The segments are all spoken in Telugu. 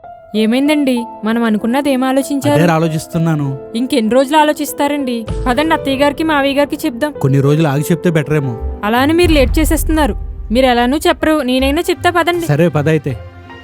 ఏమైందండి? మనం అనుకున్నది ఏం ఆలోచించారు? అదే ఆలోచిస్తున్నాను. ఇంకెన్ని రోజులు ఆలోచిస్తారండి? పదండి, అత్తయ్య గారికి మావయ్య గారికి చెప్దాం. కొన్ని రోజులు ఆగి చెప్తే బెటర్ ఏమో. అలా అని మీరు లేట్ చేసేస్తున్నారు. మీరు ఎలానూ చెప్పరు, నేనైనా చెప్తా పదండి. సరే పద అయితే.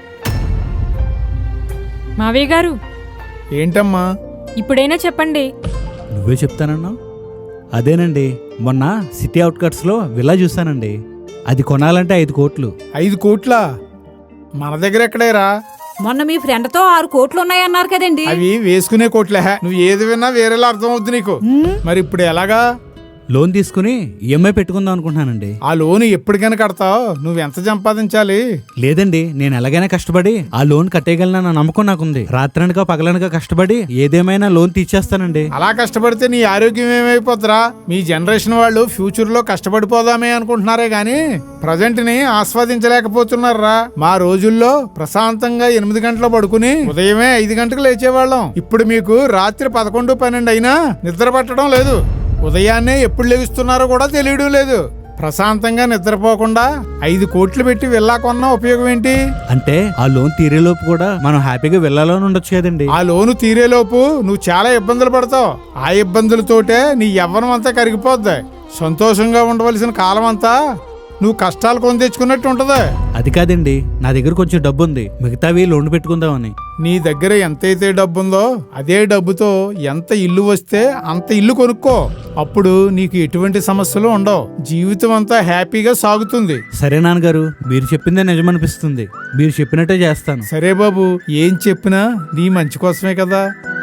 మావయ్య గారు, ఏంటమ్మా? ఇప్పుడైనా చెప్పండి. నువ్వే చెప్తానన్నావు. అదేనండి, మొన్న సిటీ అవుట్కట్స్లో విల్లా చూశానండి. అది కొనాలంటే 5 కోట్లు. 5 కోట్లా? మన దగ్గర ఎక్కడేరా? మొన్న మీ ఫ్రెండ్ తో 6 కోట్లు ఉన్నాయన్నారు కదండి. అవి వేసుకునే కోట్లే. నువ్వు ఏది విన్నా వేరేలా అర్థం అవుద్ది నీకు. మరి ఇప్పుడు ఎలాగా? లోన్ తీసుకుని ఈఎంఐ పెట్టుకుందాం అనుకుంటున్నానండి. ఆ లోన్ ఎప్పటికైనా కడతావు? నువ్వెంత సంపాదించాలి? లేదండి, నేను ఎలాగైనా కష్టపడి ఆ లోన్ కట్టేయగలనన్న నమ్మకం నాకుంది. రాత్రనక పగలనక కష్టపడి ఏదేమైనా లోన్ తీర్చేస్తానండి. అలా కష్టపడితే నీ ఆరోగ్యం ఏమైపోతురా? మీ జనరేషన్ వాళ్ళు ఫ్యూచర్ లో కష్టపడిపోదామే అనుకుంటున్నారే గాని ప్రజెంట్ ని ఆస్వాదించలేకపోతున్నారా? మా రోజుల్లో ప్రశాంతంగా 8 గంటలు పడుకుని ఉదయమే 5 గంటలకు లేచేవాళ్ళం. ఇప్పుడు మీకు రాత్రి 11, 12 అయినా నిద్ర పట్టడం లేదు. ఉదయాన్నే ఎప్పుడు లెగుస్తున్నారో కూడా తెలియడం లేదు. ప్రశాంతంగా నిద్రపోకుండా 5 కోట్లు పెట్టి విల్లా కొన్నా ఉపయోగం ఏంటి? అంటే ఆ లోన్ తీరేలోపు కూడా మనం హ్యాపీగా వెళ్ళాలని ఉండొచ్చు కదండి. ఆ లోను తీరేలోపు నువ్వు చాలా ఇబ్బందులు పడతావు. ఆ ఇబ్బందులతోటే నీ యవ్వనం అంతా కరిగిపోద్ది. సంతోషంగా ఉండవలసిన కాలం అంతా నువ్వు కష్టాలు కొని తెచ్చుకున్నట్టు ఉంటది. అది కాదండి, నా దగ్గర కొంచెం డబ్బు ఉంది, మిగతావి లోన్ పెట్టుకుందామని. నీ దగ్గర ఎంతైతే డబ్బుందో అదే డబ్బుతో ఎంత ఇల్లు వస్తే అంత ఇల్లు కొనుక్కో. అప్పుడు నీకు ఎటువంటి సమస్యలు ఉండవు. జీవితం అంతా హ్యాపీగా సాగుతుంది. సరే నాన్నగారు, మీరు చెప్పిందే నిజమనిపిస్తుంది. మీరు చెప్పినట్టే చేస్తాను. సరే బాబు, ఏం చెప్పినా నీ మంచి కోసమే కదా.